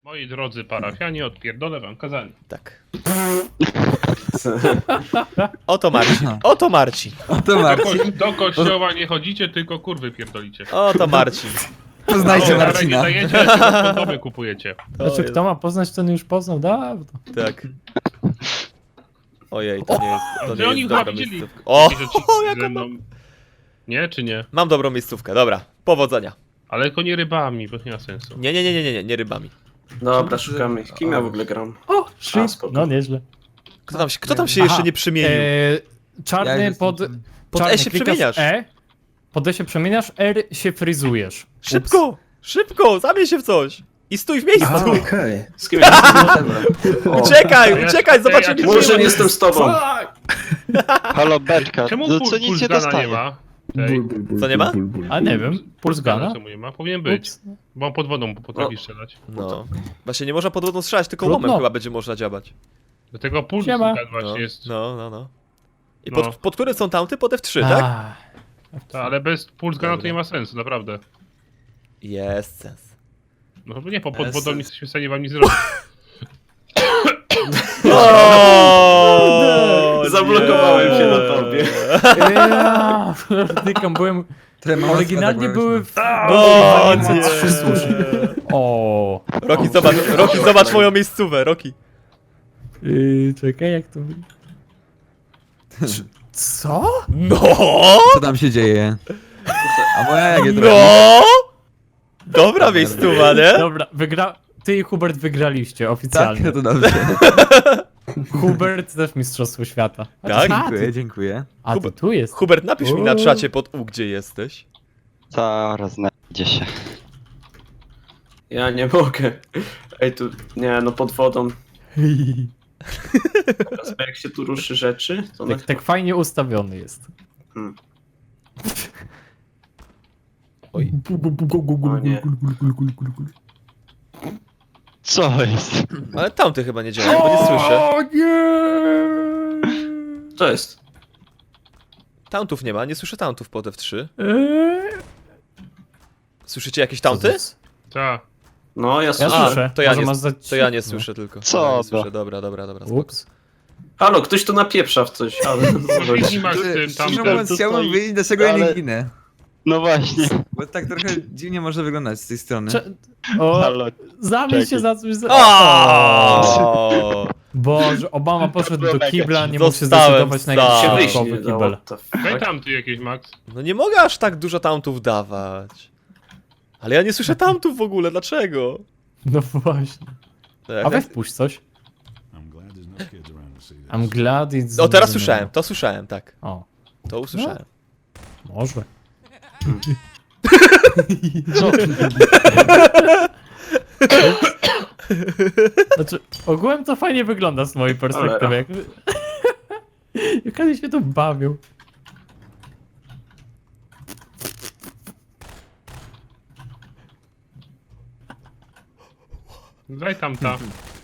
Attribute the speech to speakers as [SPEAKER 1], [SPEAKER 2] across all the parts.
[SPEAKER 1] Moi drodzy parafianie, odpierdolę wam kazanie.
[SPEAKER 2] Tak. Oto Marcin. Oto Marcin.
[SPEAKER 3] Oto Marcin.
[SPEAKER 1] Do kościoła nie chodzicie, tylko kurwy pierdolicie.
[SPEAKER 2] Oto Marcin.
[SPEAKER 3] Poznajcie
[SPEAKER 1] O,
[SPEAKER 3] Marcina.
[SPEAKER 1] Nie dajecie, a kondomy kupujecie.
[SPEAKER 4] Znaczy, kto ma poznać, ten już poznał dawno.
[SPEAKER 2] Tak. Ojej, to nie jest, to
[SPEAKER 1] Że
[SPEAKER 2] nie
[SPEAKER 1] oni
[SPEAKER 2] jest
[SPEAKER 1] chyba
[SPEAKER 2] dobra
[SPEAKER 1] widzieli
[SPEAKER 2] miejscówka. O,
[SPEAKER 1] jakieś odcinki
[SPEAKER 2] jak
[SPEAKER 1] ze mną. Nie, czy nie?
[SPEAKER 2] mam dobrą miejscówkę, dobra. Powodzenia.
[SPEAKER 1] Ale tylko nie rybami, bo nie ma sensu.
[SPEAKER 2] Nie rybami.
[SPEAKER 5] Dobra, szukamy. Kim ja w ogóle gram?
[SPEAKER 4] O, shit.
[SPEAKER 5] spoko.
[SPEAKER 4] No nieźle.
[SPEAKER 2] Kto tam się jeszcze nie przemienił?
[SPEAKER 4] Czarny
[SPEAKER 3] Ja
[SPEAKER 4] pod...
[SPEAKER 3] jestem-
[SPEAKER 2] Pod
[SPEAKER 4] czarny
[SPEAKER 2] E się
[SPEAKER 4] klikasz
[SPEAKER 2] przemieniasz.
[SPEAKER 4] E, pod E się przemieniasz, R się fryzujesz.
[SPEAKER 2] Szybko! Szybko! Zamień się w coś! I stój w miejscu!
[SPEAKER 5] Okej. Z kim ja jestem? O,
[SPEAKER 2] Uciekaj! Uciekaj! Zobaczymy,
[SPEAKER 1] Ej, a
[SPEAKER 5] Może nie jestem z tobą.
[SPEAKER 6] Halo Beczka,
[SPEAKER 1] Czemu
[SPEAKER 6] co nic nie
[SPEAKER 1] Pulsgana nie
[SPEAKER 6] dostaje.
[SPEAKER 1] ma? Ej,
[SPEAKER 2] Co nie ma?
[SPEAKER 4] A nie wiem, puls gana?
[SPEAKER 1] czemu nie ma? Powinien być.
[SPEAKER 4] Ups.
[SPEAKER 1] Bo on pod wodą potrafi strzelać.
[SPEAKER 2] No. Właśnie nie można pod wodą strzelać, tylko
[SPEAKER 4] Trudno.
[SPEAKER 2] łomem chyba będzie można działać.
[SPEAKER 1] Do tego puls
[SPEAKER 4] Siema.
[SPEAKER 1] właśnie
[SPEAKER 2] No,
[SPEAKER 1] jest.
[SPEAKER 2] no. I
[SPEAKER 1] No.
[SPEAKER 2] pod którym są tamty? Pod F3, tak?
[SPEAKER 1] Ta, ale bez pulsgana to
[SPEAKER 2] Dobra.
[SPEAKER 1] nie ma sensu, naprawdę.
[SPEAKER 2] Jest sens.
[SPEAKER 1] No chyba nie, pod
[SPEAKER 2] Bez
[SPEAKER 1] wodą nie
[SPEAKER 2] sensu.
[SPEAKER 1] jesteśmy w stanie wam nic zrobić.
[SPEAKER 2] O,
[SPEAKER 5] Zablokowałem się na tobie.
[SPEAKER 4] Ja, dykam, byłem... Oryginalnie były w...
[SPEAKER 2] O,
[SPEAKER 4] Były
[SPEAKER 2] nie.
[SPEAKER 4] 3 sushi. O.
[SPEAKER 2] Roki, zobacz moją miejscówę, Roki.
[SPEAKER 4] Czekaj, jak to... Co?
[SPEAKER 2] No!
[SPEAKER 3] Co tam się dzieje? A moja jakie to
[SPEAKER 2] No! Dobra miejscowa, nie?
[SPEAKER 4] Dobra, ty i Hubert wygraliście
[SPEAKER 3] Tak,
[SPEAKER 4] oficjalnie.
[SPEAKER 3] to dobrze.
[SPEAKER 4] Hubert też mistrzostwo świata.
[SPEAKER 2] Tak?
[SPEAKER 3] Dziękuję.
[SPEAKER 4] A ty tu jest.
[SPEAKER 2] Hubert, napisz mi na czacie pod U, gdzie jesteś.
[SPEAKER 6] Zaraz znajdzie się.
[SPEAKER 5] Ja nie mogę. Ej, tu... Nie, no pod wodą. Teraz jak się tu ruszy rzeczy, to na...
[SPEAKER 4] Tak fajnie ustawiony jest.
[SPEAKER 5] Hmm.
[SPEAKER 2] Oj.
[SPEAKER 5] O nie.
[SPEAKER 6] Co jest?
[SPEAKER 2] Ale tamty chyba nie działa, bo nie słyszę.
[SPEAKER 4] O nie!
[SPEAKER 5] Co jest?
[SPEAKER 2] Tauntów nie ma, nie słyszę tauntów pod F3.
[SPEAKER 4] Eee,
[SPEAKER 2] Słyszycie jakieś taunty?
[SPEAKER 1] Ta.
[SPEAKER 5] No, ja
[SPEAKER 4] Ja
[SPEAKER 5] słyszę.
[SPEAKER 4] słyszę.
[SPEAKER 2] to ja
[SPEAKER 4] Może
[SPEAKER 2] nie-
[SPEAKER 4] masz za
[SPEAKER 2] To ja nie
[SPEAKER 4] cicho.
[SPEAKER 2] słyszę tylko.
[SPEAKER 6] Co
[SPEAKER 2] Ja nie
[SPEAKER 6] to?
[SPEAKER 2] słyszę, dobra. Spoko.
[SPEAKER 4] Ups.
[SPEAKER 5] Halo, ktoś tu napieprza w coś. Ale...
[SPEAKER 1] Może masz z tym
[SPEAKER 3] Szczerze
[SPEAKER 1] tamtym.
[SPEAKER 3] mówiąc, chciałbym wiedzieć, dlaczego ja nie
[SPEAKER 6] ale-
[SPEAKER 3] ginę.
[SPEAKER 6] No właśnie.
[SPEAKER 3] Bo tak trochę dziwnie może wyglądać z tej strony.
[SPEAKER 4] O,
[SPEAKER 6] Halo.
[SPEAKER 4] zamień się
[SPEAKER 6] Czekaj.
[SPEAKER 4] za coś.
[SPEAKER 2] O!
[SPEAKER 4] Boże, Obama poszedł do kibla, nie mógł się
[SPEAKER 2] Zostałem
[SPEAKER 4] zdecydować na
[SPEAKER 2] sam.
[SPEAKER 4] jakiś
[SPEAKER 5] się wyjść nie
[SPEAKER 4] środkowy
[SPEAKER 5] dało.
[SPEAKER 4] kibel.
[SPEAKER 5] What the
[SPEAKER 1] Daj
[SPEAKER 5] fuck?
[SPEAKER 1] tamty jakieś, Max.
[SPEAKER 2] No nie mogę aż tak dużo tauntów dawać. Ale ja nie słyszę tauntów w ogóle, dlaczego?
[SPEAKER 4] No właśnie.
[SPEAKER 2] Tak,
[SPEAKER 4] A weź puść coś. I'm glad it's...
[SPEAKER 2] O, teraz słyszałem, to słyszałem, tak.
[SPEAKER 4] O,
[SPEAKER 2] To usłyszałem.
[SPEAKER 4] może.
[SPEAKER 6] Co?
[SPEAKER 4] Znaczy, ogółem to fajnie wygląda z mojej perspektywy. Jak oni się tu bawią.
[SPEAKER 1] Daj tamta.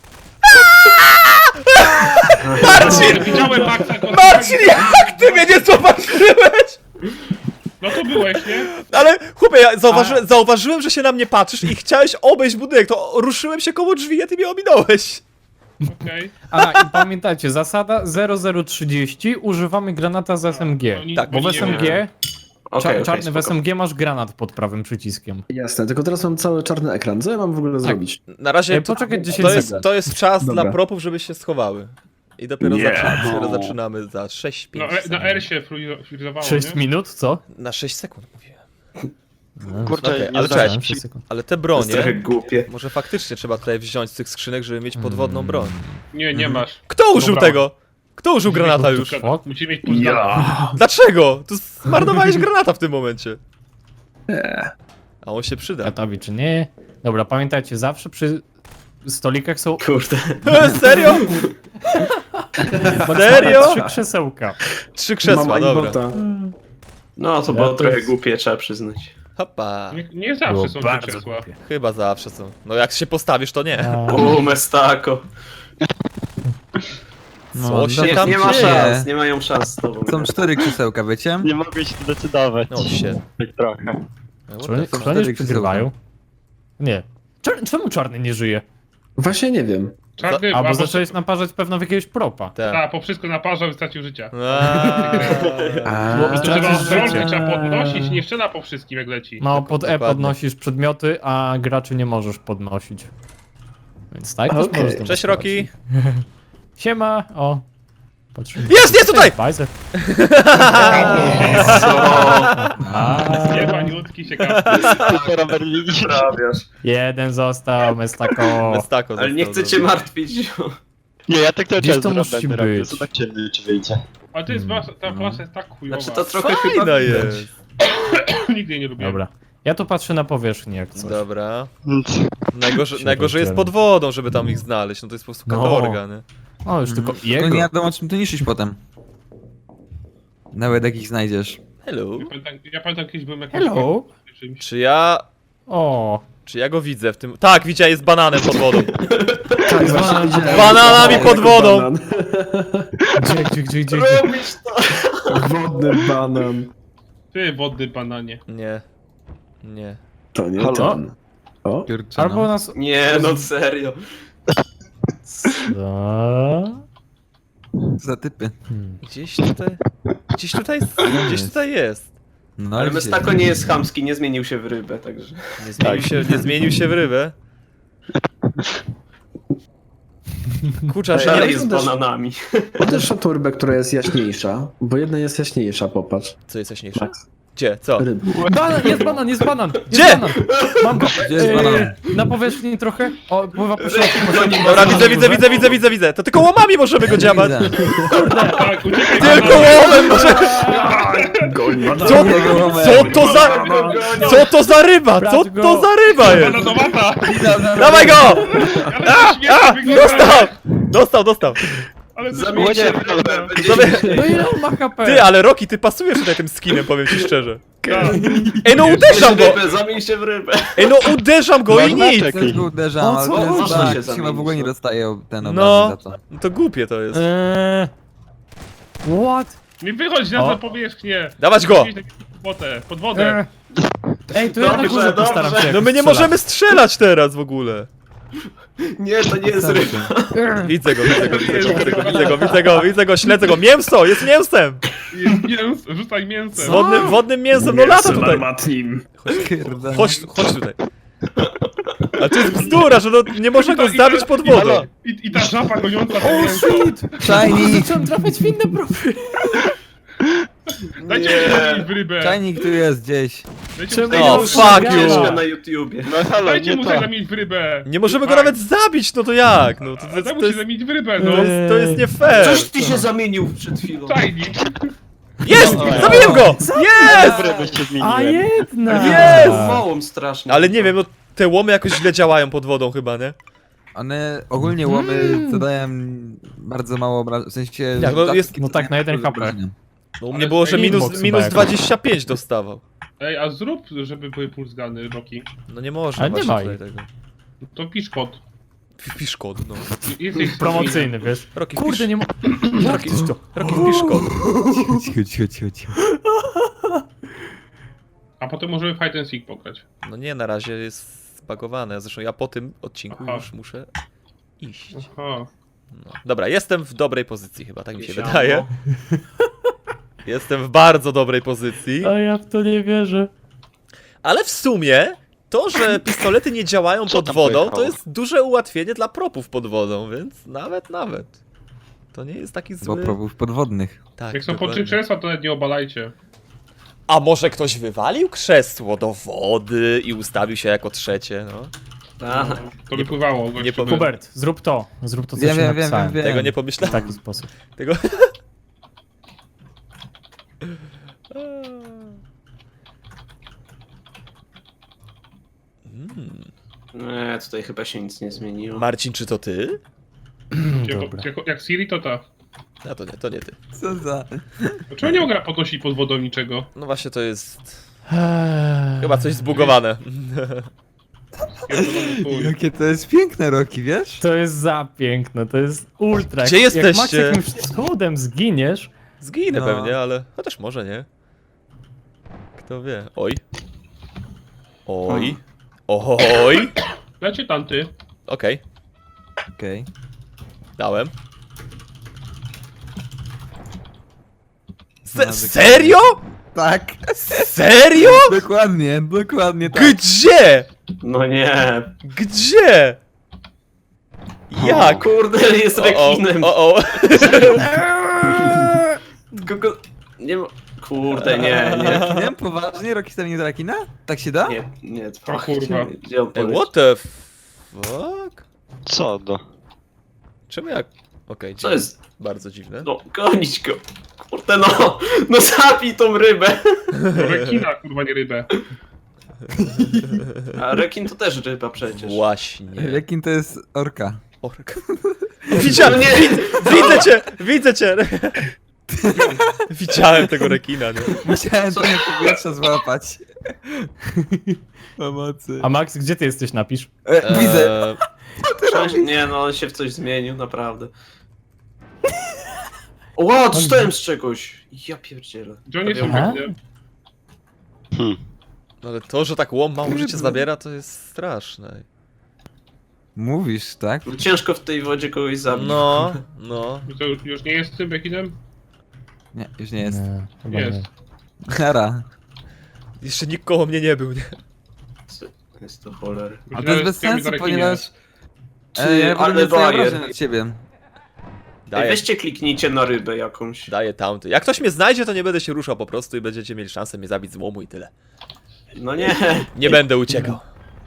[SPEAKER 2] Marcin!
[SPEAKER 1] Widziałem Maxa.
[SPEAKER 2] Marcin, jak ty mnie nie zobaczyłeś?
[SPEAKER 1] No to byłeś, nie?
[SPEAKER 2] Ale chłopie, ja zauważyłem, że się na mnie patrzysz i chciałeś obejść budynek, to ruszyłem się koło drzwi, a ty mnie ominąłeś.
[SPEAKER 1] Okej.
[SPEAKER 4] A, i pamiętajcie, zasada 0030, używamy granata z SMG.
[SPEAKER 1] Oni-
[SPEAKER 2] Tak,
[SPEAKER 4] Bo w
[SPEAKER 1] oni nie
[SPEAKER 4] SMG,
[SPEAKER 1] wiedzą.
[SPEAKER 5] Okej,
[SPEAKER 4] czarny w
[SPEAKER 5] spoko.
[SPEAKER 4] SMG masz granat pod prawym przyciskiem.
[SPEAKER 7] Jasne, tylko teraz mam cały czarny ekran. Co ja mam w ogóle zrobić?
[SPEAKER 2] Na razie
[SPEAKER 4] Poczekaj 10 sekund.
[SPEAKER 2] to jest czas
[SPEAKER 7] Dobra.
[SPEAKER 2] dla propów, żeby się schowały. I dopiero zaczynamy za 6, 5
[SPEAKER 1] No, na R się frizowało,
[SPEAKER 4] 6
[SPEAKER 1] nie?
[SPEAKER 4] minut, co?
[SPEAKER 2] Na 6 sekund mówiłem.
[SPEAKER 6] Kurczę,
[SPEAKER 2] Okej,
[SPEAKER 6] nie
[SPEAKER 2] ale
[SPEAKER 6] zdałem.
[SPEAKER 2] cześć.
[SPEAKER 4] 6 sekund.
[SPEAKER 2] Ale te
[SPEAKER 5] To jest
[SPEAKER 2] bronie,
[SPEAKER 5] trochę głupie.
[SPEAKER 2] może faktycznie trzeba tutaj wziąć z tych skrzynek, żeby mieć podwodną broń.
[SPEAKER 1] Nie masz.
[SPEAKER 2] Kto użył
[SPEAKER 1] Dobra.
[SPEAKER 2] tego? Kto użył granata już?
[SPEAKER 4] Fuck.
[SPEAKER 1] Musimy mieć pulsgana.
[SPEAKER 2] Dlaczego? Tu zmarnowałeś granata w tym momencie. A on się przyda.
[SPEAKER 4] Gotowi czy nie? Dobra, pamiętajcie, zawsze przy stolikach są
[SPEAKER 5] Kurde.
[SPEAKER 2] Serio? Serio?
[SPEAKER 4] 3 krzesełka.
[SPEAKER 2] 3 krzesła,
[SPEAKER 7] Mama i
[SPEAKER 2] dobra.
[SPEAKER 7] bota.
[SPEAKER 5] No, to
[SPEAKER 4] Ja
[SPEAKER 5] było
[SPEAKER 4] to
[SPEAKER 5] trochę
[SPEAKER 4] jest-
[SPEAKER 5] głupie, trzeba przyznać.
[SPEAKER 2] Hopa.
[SPEAKER 1] Nie zawsze
[SPEAKER 4] Było
[SPEAKER 1] są
[SPEAKER 4] bardzo
[SPEAKER 1] te krzesła.
[SPEAKER 4] głupie.
[SPEAKER 2] Chyba zawsze są. No jak się postawisz, to nie.
[SPEAKER 5] Mestako.
[SPEAKER 2] Co się
[SPEAKER 5] Nie,
[SPEAKER 2] tam
[SPEAKER 5] nie ma
[SPEAKER 2] dzieje?
[SPEAKER 5] szans, nie mają szans z tobą.
[SPEAKER 3] Są 4 krzesełka, wiecie?
[SPEAKER 6] Nie mogę się zdecydować.
[SPEAKER 2] No się.
[SPEAKER 6] Tak trochę.
[SPEAKER 4] Czy oni
[SPEAKER 3] są
[SPEAKER 4] przegrywają?
[SPEAKER 3] cztery
[SPEAKER 4] Nie. Czemu czarny nie żyje?
[SPEAKER 7] Właśnie nie wiem.
[SPEAKER 1] Czarny,
[SPEAKER 4] Albo zacząłeś naparzać pewno w jakiegoś propa.
[SPEAKER 2] Tak.
[SPEAKER 1] po wszystko naparzał i stracił życia.
[SPEAKER 7] A,
[SPEAKER 4] Bo-
[SPEAKER 1] To
[SPEAKER 4] Stracisz
[SPEAKER 1] trzeba
[SPEAKER 4] życie.
[SPEAKER 1] ostrożnie, trzeba podnosić, nie strzela po wszystkim jak leci.
[SPEAKER 4] No, pod E
[SPEAKER 2] Dokładnie.
[SPEAKER 4] podnosisz przedmioty, a graczy nie możesz podnosić. Więc tak też
[SPEAKER 7] Okej.
[SPEAKER 4] możesz to
[SPEAKER 2] Cześć,
[SPEAKER 4] wysyłać.
[SPEAKER 2] Roki.
[SPEAKER 4] Siema, o. Patrzymy.
[SPEAKER 2] Jest tutaj!
[SPEAKER 4] Bajzer.
[SPEAKER 1] Jebaniutki się kapnie.
[SPEAKER 6] Tylko Robert widzisz?
[SPEAKER 5] Prawiasz.
[SPEAKER 4] Jeden został, Mestako.
[SPEAKER 2] Mestako
[SPEAKER 5] Ale nie
[SPEAKER 2] został,
[SPEAKER 5] chcę cię martwić.
[SPEAKER 6] Nie, ja tak cały
[SPEAKER 4] Gdzieś
[SPEAKER 6] czas
[SPEAKER 4] to
[SPEAKER 6] z
[SPEAKER 4] musi
[SPEAKER 6] Robertem robię,
[SPEAKER 4] być.
[SPEAKER 6] zobaczymy czy wyjdzie.
[SPEAKER 1] Ale to jest ta klasa jest tak chujowa.
[SPEAKER 5] Znaczy to trochę
[SPEAKER 2] Fajna
[SPEAKER 5] chyba
[SPEAKER 2] jest.
[SPEAKER 1] Nigdy jej nie lubiłem.
[SPEAKER 4] Dobra. Ja tu patrzę na powierzchnię jak coś.
[SPEAKER 2] Dobra.
[SPEAKER 4] Się
[SPEAKER 2] Najgorzej jest
[SPEAKER 4] rozdziela.
[SPEAKER 2] pod wodą, żeby tam ich znaleźć. No to jest po prostu
[SPEAKER 4] No.
[SPEAKER 2] katorga, nie?
[SPEAKER 4] O, już tylko
[SPEAKER 3] To nie
[SPEAKER 4] jego.
[SPEAKER 3] wiadomo, czym to niszczyć potem. Nawet jak ich znajdziesz.
[SPEAKER 2] Hello.
[SPEAKER 1] Ja pamiętam kiedyś byłem jakiś
[SPEAKER 4] Hello.
[SPEAKER 1] czymś.
[SPEAKER 2] Czy ja go widzę w tym... Tak, widziałem, jest bananem pod wodą.
[SPEAKER 7] tak, właśnie widziałem.
[SPEAKER 2] Bananami pod wodą.
[SPEAKER 7] Banan.
[SPEAKER 4] Gdzie?
[SPEAKER 5] robisz to.
[SPEAKER 7] Wodny banan.
[SPEAKER 1] Ty, wodny bananie.
[SPEAKER 2] Nie. Nie.
[SPEAKER 7] To nie
[SPEAKER 6] Halo?
[SPEAKER 7] ten. O,
[SPEAKER 3] Kurczę,
[SPEAKER 4] Albo
[SPEAKER 3] no.
[SPEAKER 4] nas...
[SPEAKER 5] Nie, no serio.
[SPEAKER 4] Co?
[SPEAKER 3] Za typy.
[SPEAKER 2] Gdzieś tutaj... Gdzieś tutaj jest.
[SPEAKER 3] No,
[SPEAKER 5] Ale
[SPEAKER 3] gdzie?
[SPEAKER 5] Mestako nie jest chamski, nie zmienił się w rybę, także...
[SPEAKER 2] Nie zmienił się w rybę. Kurczę, że
[SPEAKER 5] Dalej
[SPEAKER 2] nie...
[SPEAKER 5] z bananami.
[SPEAKER 7] Podejdź na tą rybę, która jest jaśniejsza, bo jedna jest jaśniejsza, popatrz.
[SPEAKER 2] Co jest jaśniejsze? Gdzie? Co?
[SPEAKER 7] Ryby.
[SPEAKER 4] Banan, jest banan, jest banan! Jest
[SPEAKER 2] Gdzie?
[SPEAKER 4] Banan. Mam go.
[SPEAKER 3] Gdzie jest banan?
[SPEAKER 4] Na powierzchni trochę. O, pływa po środku.
[SPEAKER 2] Dobra, widzę. To tylko łomami możemy go dziabać.
[SPEAKER 3] Widzę.
[SPEAKER 1] Tak, uciekaj
[SPEAKER 2] Tylko łomem możemy... Co, co to za ryba? Co to za ryba jest?
[SPEAKER 1] Bananowata!
[SPEAKER 2] Dawaj go!
[SPEAKER 1] Ale śmiesznie wygląda!
[SPEAKER 2] Dostał.
[SPEAKER 1] Ale
[SPEAKER 5] Zamień się w rybę, będzie
[SPEAKER 2] Sobie-
[SPEAKER 5] śmieszniej.
[SPEAKER 4] No ile on ma HP?
[SPEAKER 2] Ty, ale Roki, ty pasujesz tutaj tym skinem, powiem ci szczerze.
[SPEAKER 1] Tak.
[SPEAKER 2] Ej, no uderzam go!
[SPEAKER 5] Rybę, zamień się w rybę.
[SPEAKER 2] Ej, no uderzam go i nic!
[SPEAKER 3] Też go uderzam,
[SPEAKER 4] O,
[SPEAKER 3] ale
[SPEAKER 4] co?
[SPEAKER 3] to jest
[SPEAKER 5] Można
[SPEAKER 3] tak,
[SPEAKER 5] się
[SPEAKER 3] chyba w
[SPEAKER 5] zamienić,
[SPEAKER 3] ogóle nie
[SPEAKER 5] no.
[SPEAKER 3] dostaje ten
[SPEAKER 2] No.
[SPEAKER 3] obrazy za to.
[SPEAKER 2] No to głupie to jest.
[SPEAKER 4] What?
[SPEAKER 1] Nie wychodź na
[SPEAKER 4] O.
[SPEAKER 1] tę powierzchnię!
[SPEAKER 2] Dawać go!
[SPEAKER 1] Pod wodę!
[SPEAKER 4] Ej, to ja na
[SPEAKER 5] Dobrze,
[SPEAKER 4] górze postaram
[SPEAKER 5] dobrze.
[SPEAKER 4] się
[SPEAKER 2] No my nie
[SPEAKER 4] jakoś
[SPEAKER 2] możemy strzelać teraz w ogóle.
[SPEAKER 5] Nie, to nie jest ryba.
[SPEAKER 4] strzelać.
[SPEAKER 2] Widzę go, śledzę go. Mięso, jest mięsem!
[SPEAKER 1] Jest mięso, rzucaj mięsem!
[SPEAKER 2] Wodnym mięsem, no lata tutaj.
[SPEAKER 3] Kurde.
[SPEAKER 2] Chodź tutaj. A to jest bzdura, że no, nie można go zdawić pod wodą.
[SPEAKER 1] I ta żaba goniąca to
[SPEAKER 4] O,
[SPEAKER 1] mięso.
[SPEAKER 4] shit!
[SPEAKER 3] Shiny!
[SPEAKER 4] Zacząłem trafiać w inne profile.
[SPEAKER 1] Dajcie
[SPEAKER 5] Nie.
[SPEAKER 1] mi zamienić w rybę!
[SPEAKER 3] Czajnik tu jest gdzieś.
[SPEAKER 1] Dajcie
[SPEAKER 4] Czemu
[SPEAKER 1] mu
[SPEAKER 2] O,
[SPEAKER 1] zamienić-
[SPEAKER 2] fuck you.
[SPEAKER 5] Ścieżka na YouTubie.
[SPEAKER 6] No halo,
[SPEAKER 1] Dajcie
[SPEAKER 6] nie
[SPEAKER 1] mu
[SPEAKER 6] to.
[SPEAKER 1] zamienić w rybę!
[SPEAKER 2] Nie możemy go
[SPEAKER 1] Tak.
[SPEAKER 2] nawet zabić, no to jak? No to,
[SPEAKER 1] Ale daj mu
[SPEAKER 2] to,
[SPEAKER 1] się
[SPEAKER 2] jest,
[SPEAKER 1] zamienić w rybę, no!
[SPEAKER 2] to jest nie fair.
[SPEAKER 5] Coś ty się zamienił przed chwilą.
[SPEAKER 1] Czajnik!
[SPEAKER 2] Jest! Zabiłem go! Jest!
[SPEAKER 6] Dobre byście
[SPEAKER 4] A
[SPEAKER 6] zmieniłem.
[SPEAKER 4] jedna!
[SPEAKER 2] Jest!
[SPEAKER 5] Wołom strasznie.
[SPEAKER 2] Ale nie wiem, no te łomy jakoś źle działają pod wodą chyba, nie?
[SPEAKER 3] One ogólnie łomy zadają bardzo mało obrażeń, w sensie...
[SPEAKER 2] Jak, no
[SPEAKER 3] rzadkie
[SPEAKER 2] jest-
[SPEAKER 4] no tak, na jeden HP.
[SPEAKER 3] obrażenia.
[SPEAKER 2] No u mnie
[SPEAKER 1] Ale
[SPEAKER 2] było, że
[SPEAKER 4] inbox
[SPEAKER 2] minus
[SPEAKER 4] chyba jakoś.
[SPEAKER 2] 25 dostawał.
[SPEAKER 1] Ej, a zrób, żeby były pulsgany, Roki.
[SPEAKER 2] No nie można
[SPEAKER 4] Ale nie
[SPEAKER 2] właśnie
[SPEAKER 4] ma
[SPEAKER 2] tutaj
[SPEAKER 4] ich.
[SPEAKER 2] tego.
[SPEAKER 1] To pisz kod.
[SPEAKER 2] Wpisz kod, no.
[SPEAKER 1] Jesteś
[SPEAKER 4] Promocyjny, wiesz?
[SPEAKER 2] Roki,
[SPEAKER 4] Kurde, nie ma...
[SPEAKER 2] Roki, Roki, wpisz kod.
[SPEAKER 3] Cicho.
[SPEAKER 1] A potem możemy Fight and Seek pograć.
[SPEAKER 2] No nie, na razie jest zbagowane. Zresztą ja po tym odcinku
[SPEAKER 1] Aha.
[SPEAKER 2] już muszę iść.
[SPEAKER 1] Aha.
[SPEAKER 2] No. Dobra, jestem w dobrej pozycji chyba, tak mi się
[SPEAKER 1] Siamo.
[SPEAKER 2] wydaje. Jestem w bardzo dobrej pozycji.
[SPEAKER 4] A ja w to nie wierzę.
[SPEAKER 2] Ale w sumie to, że pistolety nie działają
[SPEAKER 6] Co
[SPEAKER 2] pod
[SPEAKER 6] tam
[SPEAKER 2] wodą,
[SPEAKER 6] pojechało?
[SPEAKER 2] to jest duże ułatwienie dla propów pod wodą, więc nawet. To nie jest taki
[SPEAKER 3] Bo
[SPEAKER 2] zły...
[SPEAKER 3] probów podwodnych.
[SPEAKER 2] Tak,
[SPEAKER 1] Jak są
[SPEAKER 2] dokładnie.
[SPEAKER 1] pod krzesła, to nawet nie obalajcie.
[SPEAKER 2] A może ktoś wywalił krzesło do wody i ustawił się jako trzecie, no?
[SPEAKER 5] Tak.
[SPEAKER 1] To wypływało. gościu.
[SPEAKER 2] Nie powiem.
[SPEAKER 4] Hubert, zrób to, co
[SPEAKER 3] Wiem,
[SPEAKER 4] ci
[SPEAKER 3] wiem.
[SPEAKER 4] napisałem.
[SPEAKER 2] Tego nie
[SPEAKER 4] W
[SPEAKER 2] pomyślałem.
[SPEAKER 4] taki sposób.
[SPEAKER 2] Tego...
[SPEAKER 5] Nie, tutaj chyba się nic nie zmieniło.
[SPEAKER 2] Marcin, czy to ty?
[SPEAKER 4] Dobra.
[SPEAKER 1] Jak Siri, to ta.
[SPEAKER 2] A to nie ty.
[SPEAKER 3] Co za...
[SPEAKER 1] Dlaczego nie mogę podnosić pod wodą niczego?
[SPEAKER 2] No właśnie to jest... Chyba coś zbugowane.
[SPEAKER 1] Pierdolony chuj.
[SPEAKER 3] Jakie to jest piękne, Roki, wiesz?
[SPEAKER 4] To jest za piękne, to jest ultra.
[SPEAKER 2] Gdzie
[SPEAKER 4] Jak Max
[SPEAKER 2] jesteście?
[SPEAKER 4] jakimś cudem zginiesz,
[SPEAKER 2] Zginę
[SPEAKER 3] No.
[SPEAKER 2] pewnie, ale... Chociaż może nie. Kto wie. Oj. Oj. Oj.
[SPEAKER 1] Lecie tanty.
[SPEAKER 2] Okej.
[SPEAKER 3] Okej.
[SPEAKER 2] Dałem.
[SPEAKER 3] No,
[SPEAKER 2] Serio?
[SPEAKER 3] Tak,
[SPEAKER 2] Serio?
[SPEAKER 3] dokładnie tak.
[SPEAKER 2] Gdzie?
[SPEAKER 5] No nie.
[SPEAKER 2] Gdzie? Jak?
[SPEAKER 5] Kurde, jest rekinem.
[SPEAKER 2] O.
[SPEAKER 5] Kogo... Nie ma... Kurde, nie.
[SPEAKER 3] Nie, poważnie? Rockstar nie do rekina? Tak się da?
[SPEAKER 5] Nie,
[SPEAKER 1] O kurwa.
[SPEAKER 5] Gdzie on
[SPEAKER 2] Ej,
[SPEAKER 5] poleciał?
[SPEAKER 2] what the fuck?
[SPEAKER 6] Co do?
[SPEAKER 2] Czemu jak... Okej,
[SPEAKER 5] Co jest?
[SPEAKER 2] bardzo dziwne.
[SPEAKER 5] No, gonić go. Kurde, no. No zabij tą rybę.
[SPEAKER 1] Rekina, kurwa, nie rybę.
[SPEAKER 5] A rekin to też ryba przecież.
[SPEAKER 2] Właśnie.
[SPEAKER 3] Rekin to jest orka.
[SPEAKER 2] Ork. Widziałem,
[SPEAKER 5] No nie.
[SPEAKER 2] widzę cię. Widziałem tego rekina, nie?
[SPEAKER 3] Musiałem trochę powietrza złapać. Pomocy.
[SPEAKER 4] A Max, gdzie ty jesteś, napisz?
[SPEAKER 3] Widzę.
[SPEAKER 5] Nie, no on się w coś zmienił, naprawdę. Ło, dostałem z czegoś. Ja pierdzielę.
[SPEAKER 1] Gdzie oni są
[SPEAKER 4] Aha.
[SPEAKER 1] rekinem?
[SPEAKER 2] No ale to, że tak łom mało życie zabiera, to jest straszne.
[SPEAKER 3] Mówisz, tak?
[SPEAKER 5] Ciężko w tej wodzie kogoś zabić.
[SPEAKER 2] No.
[SPEAKER 1] To już nie jest tym rekinem?
[SPEAKER 3] Nie, już nie jest.
[SPEAKER 4] Nie, chyba
[SPEAKER 1] Jest.
[SPEAKER 4] nie.
[SPEAKER 3] Hara.
[SPEAKER 2] Jeszcze nikt koło mnie nie był, nie?
[SPEAKER 5] Jest to cholery.
[SPEAKER 3] A to jest bez sensu, ponieważ... ja
[SPEAKER 5] ale
[SPEAKER 3] będę więcej
[SPEAKER 5] bajer.
[SPEAKER 3] obrażeń od ciebie.
[SPEAKER 5] Ej,
[SPEAKER 2] Daję,
[SPEAKER 5] weźcie kliknijcie na rybę jakąś.
[SPEAKER 2] daję tamty. Jak ktoś mnie znajdzie, to nie będę się ruszał po prostu i będziecie mieli szansę mnie zabić z łomu i tyle.
[SPEAKER 5] No nie.
[SPEAKER 2] Nie będę uciekał.